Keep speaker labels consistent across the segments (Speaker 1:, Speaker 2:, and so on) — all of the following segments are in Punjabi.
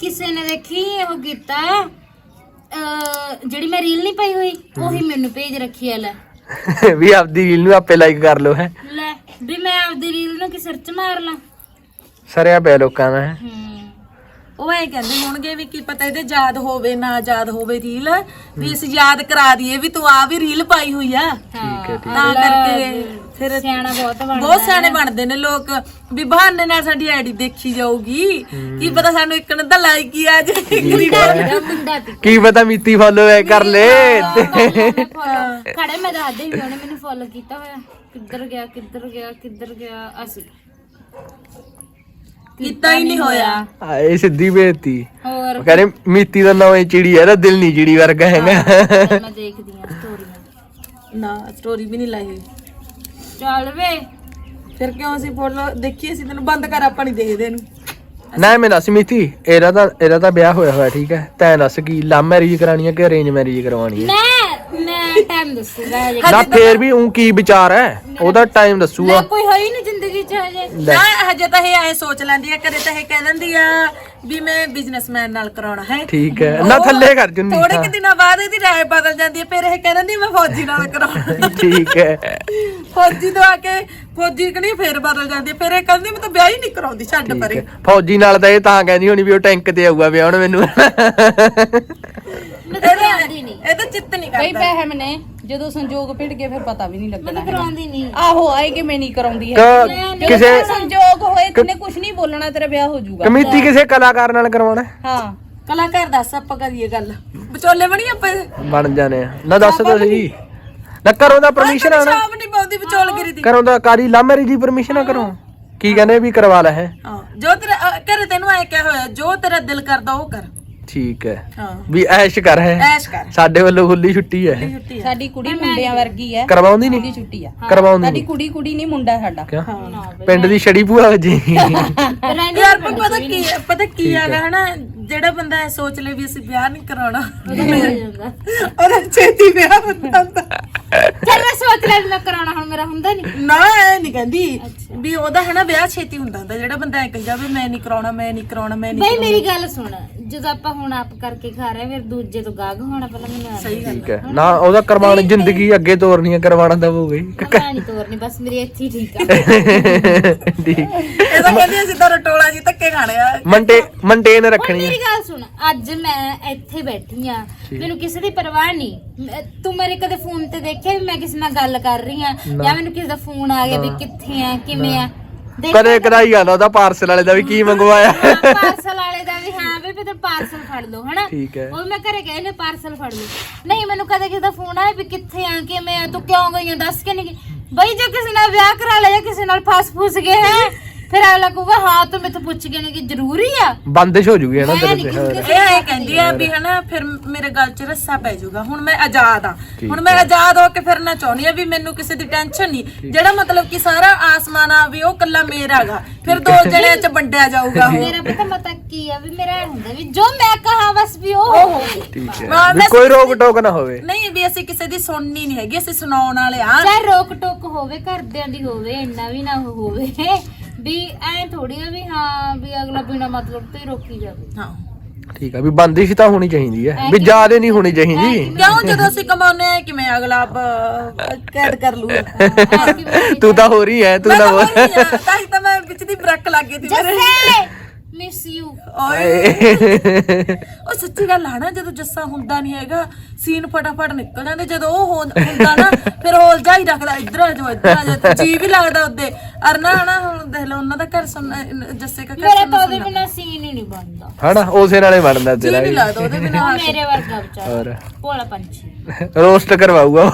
Speaker 1: ਕਿਸੇ ਨੇ ਦੇਖੀ ਉਹ ਕੀਤਾ ਜਿਹੜੀ ਮੈਂ ਰੀਲ ਨਹੀਂ ਪਾਈ ਹੋਈ ਉਹੀ ਮੈਨੂੰ ਭੇਜ ਰੱਖੀ ਆ ਲੈ
Speaker 2: ਵੀ ਆਪਦੀ ਰੀਲ ਨੂੰ ਆਪੇ ਲਾਈਕ ਕਰ ਲਓ ਹੈ
Speaker 1: ਲੈ ਵੀ ਮੈਂ ਆਪਦੀ ਰੀਲ ਨੂੰ ਕਿ ਸਰਚ ਮਾਰ ਲਾਂ
Speaker 2: ਸਰਿਆ ਪਿਆ ਲੋਕਾਂ ਦਾ ਹੈ
Speaker 3: ਉਹ ਐ ਕਹਿੰਦੇ ਹੋਣਗੇ ਵੀ ਕੀ ਪਤਾ ਇਹਦੇ ਯਾਦ ਹੋਵੇ ਨਾ ਯਾਦ ਹੋਵੇ ਰੀਲ ਵੀ ਅਸੀਂ ਯਾਦ ਕਰਾ ਦਈਏ ਵੀ ਤੂੰ ਆ ਵੀ ਰੀਲ ਪਾਈ ਹੋਈ ਆ
Speaker 2: ਠੀਕ ਹੈ
Speaker 3: ਤਾਂ ਕਰਕੇ ਫਿਰ
Speaker 1: ਸਿਆਣਾ
Speaker 3: ਬਹੁਤ ਸਿਆਣੇ ਬਣਦੇ ਨੇ ਲੋਕ ਵੀ ਬਹਾਨੇ ਨਾਲ ਸਾਡੀ ਆਈਡੀ ਦੇਖੀ ਜਾਊਗੀ ਕੀ ਪਤਾ ਸਾਨੂੰ ਇੱਕ ਨੇ ਤਾਂ ਲਾਈਕ ਹੀ ਆ ਜੇ
Speaker 1: ਮੁੰਡਾ ਤੀ
Speaker 2: ਕੀ ਪਤਾ ਮਿੱਤੀ ਫੋਲੋ ਕਰ ਲੈ
Speaker 1: ਖੜੇ ਮੈਂ ਦੱਸਦੇ ਵੀ ਉਹਨੇ ਮੈਨੂੰ ਫੋਲੋ ਕੀਤਾ ਹੋਇਆ ਕਿੱਧਰ ਗਿਆ ਅਸੀਂ
Speaker 3: ਕੀਤਾ ਹੀ ਨਹੀਂ ਹੋਇਆ
Speaker 2: ਆਏ ਸਿੱਧੀ ਬੇਤੀ
Speaker 1: ਹੋਰ
Speaker 2: ਕਹਿੰਦੇ ਮਿੱਤੀ ਦਾ ਨਾਮ ਚਿੜੀ ਹੈ ਨਾ ਦਿਲ ਨਹੀਂ ਚਿੜੀ ਵਰਗਾ ਹੈਗਾ
Speaker 1: ਮੈਂ ਦੇਖਦੀ ਆ ਸਟੋਰੀਆਂ
Speaker 3: ਨਾ ਸਟੋਰੀ ਵੀ ਨਹੀਂ ਲਾਈ
Speaker 1: ਚੱਲ ਵੇ
Speaker 3: ਫਿਰ ਕਿਉਂ ਅਸੀਂ ਫੋਟੋ ਦੇਖੀ ਅਸੀਂ ਤੈਨੂੰ ਬੰਦ ਕਰ ਆਪਾਂ ਨਹੀਂ ਦੇਖਦੇ ਇਹਨੂੰ
Speaker 2: ਨਾ ਮੈਂ ਦੱਸ ਮਿੱਤੀ ਇਹਦਾ ਤਾਂ ਵਿਆਹ ਹੋਇਆ ਠੀਕ ਹੈ ਤੈਂ ਦੱਸ ਕੀ ਲਵ ਮੈਰਿਜ ਕਰਾਣੀ ਹੈ ਕਿ ਅਰੇਂਜ ਮੈਰਿਜ ਕਰਵਾਉਣੀ ਹੈ
Speaker 1: ਮੈਂ ਟਾਈਮ ਦੱਸੂਗਾ ਹਜੇ
Speaker 2: ਨਾ ਫੇਰ ਵੀ ਉਹ ਕੀ ਵਿਚਾਰ ਹੈ ਉਹਦਾ ਟਾਈਮ ਦੱਸੂਗਾ
Speaker 1: ਕੋਈ ਹੋਈ ਨਹੀਂ ਜ਼ਿੰਦਗੀ ਚ ਹਜੇ
Speaker 3: ਨਾ ਹਜੇ ਤਾਂ ਇਹ ਐ ਸੋਚ ਲੈਂਦੀ ਆ ਕਦੇ ਤਾਂ ਇਹ ਕਹਿ ਦਿੰਦੀ ਆ ਵੀ ਮੈਂ ਬਿਜ਼ਨਸਮੈਨ ਨਾਲ ਕਰਾਉਣਾ ਹੈ
Speaker 2: ਠੀਕ ਹੈ ਨਾ ਥੱਲੇ ਕਰ ਜੁੰਨੀ
Speaker 3: ਥੋੜੇ ਕਿ ਦਿਨਾਂ ਬਾਅਦ ਇਹਦੀ ਰਾਏ ਬਦਲ ਜਾਂਦੀ ਹੈ ਫਿਰ ਇਹ ਕਹਿ ਦਿੰਦੀ ਮੈਂ ਫੌਜੀ ਨਾਲ ਕਰਾਉਣਾ
Speaker 2: ਠੀਕ ਹੈ
Speaker 3: ਫੌਜੀ ਤੋਂ ਆ ਕੇ ਫੌਜੀ ਕਣੀ ਫੇਰ ਬਦਲ ਜਾਂਦੀ ਹੈ ਫਿਰ ਇਹ ਕਹਿੰਦੀ ਮੈਂ ਤਾਂ ਵਿਆਹ ਹੀ ਨਹੀਂ ਕਰਾਉਂਦੀ ਛੱਡ ਪਰੇ
Speaker 2: ਫੌਜੀ ਨਾਲ ਤਾਂ ਇਹ ਤਾਂ ਕਹਿੰਦੀ ਹੋਣੀ ਵੀ ਉਹ ਟੈਂਕ ਤੇ ਆਊਗਾ ਵਿਆਹਣ ਮੈਨੂੰ
Speaker 3: ਇਹ ਤਾਂ ਚਿੱਤ ਨਹੀਂ
Speaker 4: ਕਈ
Speaker 3: ਕਰਦਾ
Speaker 4: ਪਹਿਮ ਨੇ ਜਦੋਂ ਸੰਜੋਗ ਭਿੜ ਗਏ ਫਿਰ ਪਤਾ ਵੀ ਨਹੀਂ ਲੱਗਣਾ
Speaker 1: ਕਰਾਉਂਦੀ ਨਹੀਂ
Speaker 4: ਆਹੋ ਆਏ ਕਿ ਮੈਂ ਨਹੀਂ ਕਰਾਉਂਦੀ ਹੈ
Speaker 2: ਕ- ਕਿਸੇ
Speaker 4: ਸੰਜੋਗ ਹੋਏ ਤੈਨੇ ਕੁਝ ਨਹੀਂ ਬੋਲਣਾ ਤੇਰਾ ਵਿਆਹ ਹੋ ਜਾਊਗਾ
Speaker 2: ਕਮੇਟੀ ਕਿਸੇ ਕਲਾਕਾਰ ਨਾਲ ਕਰਵਾਉਣਾ
Speaker 4: ਹਾਂ
Speaker 3: ਕਲਾਕਾਰ ਦੱਸ ਆਪਾਂ ਕਰੀਏ ਗੱਲ ਵਿਚੋਲੇ ਬਣੀ ਆਪਾਂ
Speaker 2: ਬਣ ਜਾਣੇ ਆ ਨਾ ਦੱਸ ਤਾਂ ਸਹੀ ਨਾ ਕਰੋ ਦਾ ਪਰਮਿਸ਼ਨ ਆ ਨਾ
Speaker 3: ਸ਼ਾਮ ਨਹੀਂ ਪਾਉਂਦੀ ਵਿਚੋਲਗਿਰੀ ਦੀ
Speaker 2: ਕਰੋ ਦਾ ਕਾਰੀ ਲਵ ਮੈਰਿਜ ਦੀ ਪਰਮਿਸ਼ਨ ਆ ਕਰੋ ਕੀ ਕਹਿੰਦੇ ਵੀ ਕਰਵਾ ਲੈ ਹੈ
Speaker 3: ਹਾਂ ਜੋ ਤੇਰਾ ਘਰੇ ਤੈਨੂੰ ਐ ਕਿਹਾ ਹੋਇਆ ਜੋ ਤੇਰਾ ਦਿਲ ਕਰਦਾ ਉਹ ਕਰ
Speaker 2: ਠੀਕ ਹੈ
Speaker 3: ਹਾਂ
Speaker 2: ਵੀ ਐਸ਼ ਕਰ ਹੈ
Speaker 3: ਐਸ਼ ਕਰ
Speaker 2: ਸਾਡੇ ਵੱਲੋਂ ਖੁੱਲੀ ਛੁੱਟੀ ਹੈ
Speaker 3: ਛੁੱਟੀ ਆ
Speaker 4: ਸਾਡੀ ਕੁੜੀ ਮੁੰਡਿਆਂ ਵਰਗੀ ਹੈ
Speaker 2: ਕਰਵਾਉਂਦੀ
Speaker 4: ਦੀ
Speaker 2: ਨਹੀਂ
Speaker 4: ਛੁੱਟੀ ਆ
Speaker 2: ਕਰਵਾਉਂਦੀ
Speaker 4: ਸਾਡੀ
Speaker 2: ਨਹੀਂ
Speaker 4: ਕੁੜੀ ਨਹੀਂ ਮੁੰਡਾ ਸਾਡਾ
Speaker 2: ਕਿਉਂ ਪਿੰਡ ਦੀ ਛੜੀ ਭੂਆ ਵਜੀ
Speaker 3: ਯਾਰ ਪਤਾ ਕੀ ਹੈਗਾ ਹਨਾ ਜਿਹੜਾ ਬੰਦਾ ਇਹ ਸੋਚ ਲੇ ਵੀ ਅਸੀਂ ਵਿਆਹ ਨਹੀਂ ਕਰਾਉਣਾ ਉਹਦਾ ਛੇਤੀ ਵਿਆਹ ਹੁੰਦਾ
Speaker 1: ਚੱਲ ਮੈਂ ਸੋਚ ਲਿਆ ਮੈਂ ਕਰਾਉਣਾ ਹੁਣ ਮੇਰਾ ਹੁੰਦਾ ਨਹੀਂ
Speaker 3: ਨਾ ਐ ਨਹੀਂ ਕਹਿੰਦੀ ਵੀ ਉਹਦਾ ਹਨਾ ਵਿਆਹ ਛੇਤੀ ਹੁੰਦਾ ਜਿਹੜਾ ਬੰਦਾ ਐ ਕਹਿੰਦਾ ਵੀ ਮੈਂ ਨਹੀਂ ਕਰਾਉਣਾ
Speaker 1: ਬਈ ਮੇਰੀ ਗੱਲ ਸੁਣ ਜਦੋਂ ਆਪਾਂ ਹੁਣ ਆਪ ਕਰਕੇ ਖਾ ਰਹੇ ਫਿਰ ਦੂਜੇ ਤੋਂ ਗਾਗ ਹੋਣਾ ਪਹਿਲਾਂ ਮੈਨੂੰ
Speaker 3: ਸਹੀ ਗੱਲ
Speaker 2: ਠੀਕ ਹੈ ਨਾ ਉਹਦਾ ਕਰਵਾਉਣ ਜ਼ਿੰਦਗੀ ਅੱਗੇ ਤੋਰਨੀ ਹੈ ਕਰਵਾਉਣਾ ਤਾਂ ਪਊਗਾ ਹੀ
Speaker 1: ਮੈਂ ਨਹੀਂ ਤੋਰਨੀ ਬਸ ਮੇਰੀ ਇੱਥੇ ਹੀ ਠੀਕ ਆ
Speaker 2: ਠੀਕ
Speaker 3: ਇਹ ਤਾਂ ਕਹਿੰਦੀ ਅਸੀਂ ਤਾਂ ਰਟੋਲਾ ਜੀ ਧੱਕੇ ਖਾਣੇ ਆ
Speaker 2: ਮੇਨਟੇਨ ਰੱਖਣੀ
Speaker 1: ਮੇਰੀ
Speaker 2: ਹੈ
Speaker 1: ਗੱਲ ਸੁਣ ਅੱਜ ਮੈਂ ਇੱਥੇ ਬੈਠੀ ਆ ਮੈਨੂੰ ਕਿਸੇ ਦੀ ਪਰਵਾਹ ਨਹੀਂ ਤੂੰ ਮੇਰੇ ਕਦੇ ਫੋਨ ਤੇ ਦੇਖਿਆ ਵੀ ਮੈਂ ਕਿਸੇ ਨਾਲ ਗੱਲ ਕਰ ਰਹੀ ਆ ਜਾਂ ਮੈਨੂੰ ਕਿਸੇ ਦਾ ਫੋਨ ਆ ਗਿਆ ਵੀ ਕਿੱਥੇ ਆ ਕਿਵੇਂ ਆ
Speaker 2: ਕਦੇ ਕਦਾਈ ਆਉਂਦਾ ਉਹਦਾ ਪਾਰਸਲ ਵਾਲੇ ਦਾ ਵੀ ਕੀ ਮੰਗਵਾਇਆ
Speaker 1: ਪਾਰਸਲ ਵਾਲੇ ਦਾ ਵੀ ਹਾਂ ਵੀ ਤੇ ਪਾਰਸਲ ਫੜ ਲਓ ਹਨਾ
Speaker 2: ਠੀਕ ਹੈ
Speaker 1: ਉਹ ਮੈਂ ਘਰੇ ਗਏ ਨੇ ਪਾਰਸਲ ਫੜ ਲਓ ਨਹੀਂ ਮੈਨੂੰ ਕਦੇ ਕਿਸੇ ਦਾ ਫੋਨ ਆਇਆ ਵੀ ਕਿੱਥੇ ਆ ਕਿਵੇਂ ਆ ਤੂੰ ਕਿਉਂ ਗਈ ਆ ਦੱਸ ਕੇ ਨਹੀਂ ਗਈ ਬਈ ਜੇ ਕਿਸੇ ਨਾਲ ਵਿਆਹ ਕਰਾ ਲਿਆ ਜਾਂ ਕਿਸੇ ਨਾਲ ਫਸ ਗਏ ਹੈ ਫਿਰ ਅਗਲਾ ਕਹੂਗਾ ਹਾਂ ਤੂੰ ਮੈਥੋਂ ਪੁੱਛ ਕੇ ਨਹੀਂ ਕਿ ਜ਼ਰੂਰੀ ਆ
Speaker 2: ਬੰਦਿਸ਼ ਹੋ ਜੂਗੀ ਨਾ ਤੇਰੇ ਤੇ
Speaker 3: ਇਹ ਕਹਿੰਦੀ ਆ ਵੀ ਹਨਾ ਫਿਰ ਮੇਰੇ ਗੱਲ 'ਚ ਰੱਸਾ ਪੈ ਜਾਊਗਾ ਹੁਣ ਮੈਂ ਆਜ਼ਾਦ ਆ ਹੁਣ ਮੈਂ ਆਜ਼ਾਦ ਹੋ ਕੇ ਫਿਰਨਾ ਚਾਹੁੰਦੀ ਆ ਵੀ ਮੈਨੂੰ ਕਿਸੇ ਦੀ ਟੈਨਸ਼ਨ ਨਹੀਂ ਜਿਹੜਾ ਮਤਲਬ ਕਿ ਸਾਰਾ ਆਸਮਾਨ ਆ ਵੀ ਉਹ ਕੱਲਾ ਮੇਰਾਗਾ ਫਿਰ ਦੋ ਜਣਿਆਂ 'ਚ ਵੰਡਿਆ ਜਾਊਗਾ
Speaker 1: ਮੇਰਾ ਪਤਾ ਮਤਾ ਕੀ ਆ ਵੀ ਮੇਰਾ ਇਹ ਹੁੰਦਾ ਵੀ ਜੋ ਮੈਂ ਕਹਾ ਬਸ ਵੀ ਉਹ ਹੋਵੇ
Speaker 2: ਠੀਕ ਹੈ ਵੀ ਕੋਈ ਰੋਕ ਟੋਕ ਨਾ ਹੋਵੇ
Speaker 3: ਨਹੀਂ ਵੀ ਅਸੀਂ ਕਿਸੇ ਦੀ ਸੁਣਨੀ ਨਹੀਂ ਹੈਗੀ ਅਸੀਂ ਸੁਣਾਉਣ ਵਾਲੇ ਆ
Speaker 1: ਚਾਹੇ ਰੋਕ ਟੋਕ ਹੋਵੇ ਘਰਦਿਆਂ ਦੀ ਹੋਵੇ ਇੰਨਾ ਵੀ ਨਾ ਹੋਵੇ ਵੀ ਐ ਥੋੜੀ ਆ ਵੀ ਹਾਂ ਵੀ ਅਗਲਾ ਬਿਨਾ ਮਤਲਬ ਤੋਂ ਹੀ ਰੋਕੀ ਜਾਵੇ
Speaker 3: ਹਾਂ
Speaker 2: ਠੀਕ ਆ ਵੀ ਬੰਦਿਸ਼ ਤਾਂ ਹੋਣੀ ਚਾਹੀਦੀ ਹੈ ਵੀ ਜ਼ਿਆਦਾ ਨਹੀਂ ਹੋਣੀ ਚਾਹੀਦੀ
Speaker 3: ਕਿਉਂ ਜਦੋਂ ਅਸੀਂ ਕਮਾਉਨੇ ਆ ਕਿਵੇਂ ਅਗਲਾ ਕੈਦ ਕਰ ਲੂਗਾ
Speaker 2: ਤੂੰ ਤਾਂ ਹੋ ਰਹੀ ਹੈ ਤੂੰ ਤਾਂ ਹੋ
Speaker 3: ਤਾਂ ਹੀ ਤਾਂ ਮੈਂ ਵਿੱਚ ਦੀ ਬ੍ਰੇਕ ਲੱਗ ਗਈ ਸੀ ਮੇਰੇ
Speaker 1: ਮਿਸ ਯੂ
Speaker 3: ਉਹ ਸੱਚੀ ਗੱਲ ਆ ਨਾ ਜਦੋਂ ਜੱਸਾ ਹੁੰਦਾ ਨਹੀਂ ਹੈਗਾ ਸੀਨ ਫਟਾਫਟ ਨਿਕਲ ਜਾਂਦੇ ਜਦੋਂ ਉਹ ਹੁੰਦਾ ਨਾ ਫਿਰ ਹੋਲ ਜਾ ਹੀ ਰੱਖਦਾ ਇੱਧਰ ਆ ਜਾ ਜੀ ਵੀ ਲੱਗਦਾ ਉਹਦੇ ਅਰਨਾ ਹਨਾ ਹੁਣ ਦੇਖ ਲਓ ਉਹਨਾਂ ਦਾ ਘਰ ਸੁਣ ਜੱਸੇ ਦਾ
Speaker 1: ਮੇਰੇ
Speaker 3: ਘਰ
Speaker 1: ਤਾਂ ਉਹਦੇ ਬਿਨਾ ਸੀਨ ਹੀ ਨਹੀਂ ਬਣਦਾ
Speaker 2: ਹਨਾ ਉਸੇ ਨਾਲੇ ਬਣਦਾ
Speaker 3: ਜੀ
Speaker 2: ਤੇਰਾ
Speaker 3: ਨਹੀਂ ਲੱਗਦਾ ਉਹਦੇ ਬਿਨਾਂ
Speaker 1: ਉਹ ਮੇਰੇ ਵਰਗਾ ਵਿਚਾਰਾ
Speaker 2: ਹੋਰ
Speaker 1: ਭੋਲਾ ਪੰਛੀ
Speaker 2: ਰੋਸਟ ਕਰਵਾਊਗਾ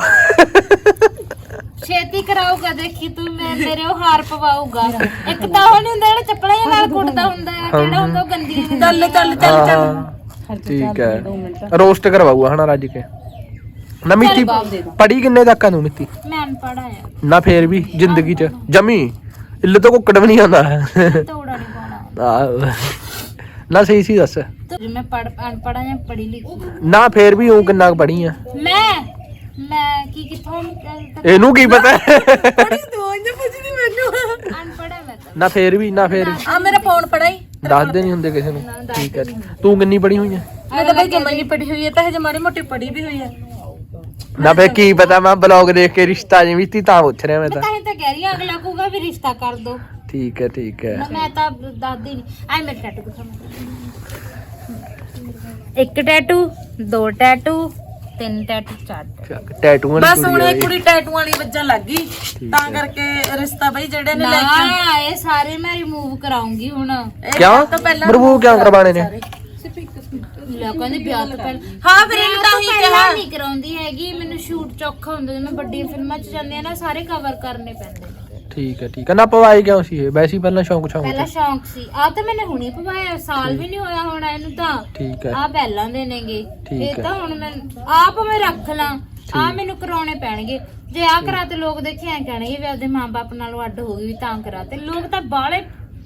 Speaker 1: ਛੇਤੀ ਕਰਾਊਗਾ ਦੇਖੀ ਤੂੰ ਮੇਰੇ ਉਹ ਹਾਰ ਪਵਾਊਗਾ ਇੱਕ ਤਾਂ ਉਹ ਨਹੀਂ ਹੁੰਦਾ ਜਿਹੜਾ ਚੱਪਲਾਂ ਜਿਹੇ ਨਾਲ ਕੁੱਟਦਾ ਹੁੰਦਾ ਹੈ ਕਿਹੜਾ ਹੁੰਦਾ ਉਹ ਗੰਦੀਆਂ
Speaker 3: ਚੱਲ
Speaker 2: ਠੀਕ ਹੈ ਰੋਸਟ ਕਰਵਾਊਗਾ ਹਨਾ ਰੱਜ ਕੇ ਨਾ ਮਿੱਤੀ ਪੜੀ ਕਿੰਨੇ ਤੱਕ ਆ ਤੂੰ ਮਿੱਤੀ
Speaker 1: ਮੈਂ ਅਨਪੜ੍ਹ ਆ
Speaker 2: ਨਾ ਫੇਰ ਵੀ ਜ਼ਿੰਦਗੀ ਚ ਜਮੀ ਇੱਲੇ ਤੋਂ ਕੁੱਕੜ ਵੀ ਨਹੀਂ ਆਉਂਦਾ
Speaker 1: ਤੋੜਾ ਨਹੀਂ ਪਾਉਣਾ
Speaker 2: ਨਾ ਸਹੀ ਦੱਸ
Speaker 1: ਤੇ ਮੈਂ ਅਨਪੜ੍ਹ ਜਾਂ ਪੜ੍ਹੀ ਲਿਖੀ
Speaker 2: ਨਾ ਫੇਰ ਵੀ ਉਹ ਕਿੰਨਾ ਪੜੀ ਆ
Speaker 1: ਮੈਂ ਕੀ ਕਿੱਥੋਂ
Speaker 2: ਇਹਨੂੰ ਕੀ ਪਤਾ
Speaker 3: ਤੂੰ ਇੰਜ ਪੁੱਛਦੀ ਮੈਨੂੰ
Speaker 1: ਅਨਪੜ੍ਹ ਮੈਂ ਤਾਂ
Speaker 2: ਨਾ ਫੇਰ ਵੀ
Speaker 3: ਆ ਮੇਰਾ ਫੋਨ ਪੜਾਈ
Speaker 2: ਦੱਸਦੇ ਨਹੀਂ ਹੁੰਦੇ ਕਿਸੇ ਨੂੰ ਠੀਕ ਹੈ ਤੂੰ ਕਿੰਨੀ ਪੜੀ ਹੋਈ ਹੈ
Speaker 3: ਮੈਂ ਤਾਂ ਬਈ ਜਮਾਈ ਨਹੀਂ ਪੜੀ ਹੋਈ ਹੈ ਤਾਂ ਹਜੇ ਮਾੜੀ ਮੋਟੀ ਪੜੀ ਵੀ ਹੋਈ ਹੈ
Speaker 2: ਨਾ ਫੇ ਕੀ ਪਤਾ ਮੈਂ ਬਲੌਗ ਦੇਖ ਕੇ ਰਿਸ਼ਤਾ ਜਿਵੇਂ ਤੀ ਤਾਂ ਪੁੱਛ ਰਿਹਾ ਮੈਂ ਤਾਂ
Speaker 1: ਤਾਂ ਹੀ ਤਾਂ ਕਹਿ ਰਹੀ ਹਾਂ ਅਗਲਾ ਕਹੂਗਾ ਵੀ ਰਿਸ਼ਤਾ ਕਰ ਦੋ
Speaker 2: ਠੀਕ ਹੈ
Speaker 1: ਨਾ ਮੈਂ ਤਾਂ ਦੱਸਦੀ ਨਹੀਂ ਆਈ ਮੇਰੇ ਟੈਟੂ ਦਿਖਾਵਾਂ ਇੱਕ ਟੈਟੂ ਦੋ ਟੈਟੂ ਤਿੰਨ ਟੈਟੂ ਚਾਰ ਟੈਟੂ।
Speaker 2: ਟੈਟੂਆਂ
Speaker 3: ਬਸ ਹੁਣ ਇਹ ਕੁੜੀ ਟੈਟੂਆਂ ਵਾਲੀ ਵੱਜਣ ਲੱਗ ਗਈ ਤਾਂ ਕਰਕੇ ਰਿਸ਼ਤਾ ਬਈ ਜਿਹੜੇ ਨੇ ਲੈ ਕੇ
Speaker 1: ਨਾ ਇਹ ਸਾਰੇ ਮੈਂ ਰਿਮੂਵ ਕਰਾਉਂਗੀ ਹੁਣ
Speaker 2: ਕਿਉਂ
Speaker 3: ਤਾਂ ਪਹਿਲਾਂ
Speaker 2: ਮਰਬੂ ਕਿਉਂ ਕਰਵਾਣੇ ਨੇ
Speaker 1: ਲੋਕਾਂ ਦੇ ਵਿਆਹ ਤੋਂ ਪਹਿਲਾਂ
Speaker 3: ਹਾਂ ਫਿਰ ਇਹਨੂੰ ਤਾਂ ਹੀ
Speaker 1: ਪਹਿਲਾਂ ਨਹੀਂ ਕਰਾਉਂਦੀ ਹੈਗੀ ਮੈਨੂੰ ਸ਼ੂਟ ਚੌਖਾ ਹੁੰਦਾ ਜਦੋਂ ਮੈਂ ਵੱਡੀਆਂ ਫਿਲਮਾਂ 'ਚ ਜਾਂਦੀ ਆ ਨਾ ਸਾਰੇ ਕਵਰ ਕਰਨੇ ਪੈਂਦੇ ਨੇ
Speaker 2: ਠੀਕ ਹੈ ਨਾ ਪਵਾਈ ਕਿਉਂ ਸੀ ਇਹ ਵੈਸੇ ਹੀ ਪਹਿਲਾਂ ਸ਼ੌਂਕ
Speaker 1: ਪਹਿਲਾਂ ਸ਼ੌਂਕ ਸੀ ਆ ਤਾਂ ਮੈंने ਹੁਣੇ ਪਵਾਇਆ ਸਾਲ ਵੀ ਨਹੀਂ ਹੋਇਆ ਹੋਣਾ ਇਹਨੂੰ ਤਾਂ
Speaker 2: ਠੀਕ ਹੈ
Speaker 1: ਆ ਪਹਿਲਾਂ ਦੇ ਨੇਗੇ
Speaker 2: ਠੀਕ
Speaker 1: ਇਹ
Speaker 2: ਹੈ।
Speaker 1: ਤਾਂ ਹੁਣ ਮੈਂ ਆਪ ਮੈਂ ਰੱਖ ਲਾਂ ਆ ਮੈਨੂੰ ਕਰਾਉਣੇ ਪੈਣਗੇ ਜੇ ਆ ਕਰਾ ਤੇ ਲੋਕ ਦੇਖੇ ਐ ਕਹਿਣਗੇ ਵੀ ਆਪਦੇ ਮਾਂ-ਬਾਪ ਨਾਲੋਂ ਅੱਡ ਹੋ ਗਈ ਵੀ ਤਾਂ ਕਰਾ ਤੇ ਲੋਕ ਤਾਂ ਬਾਲੇ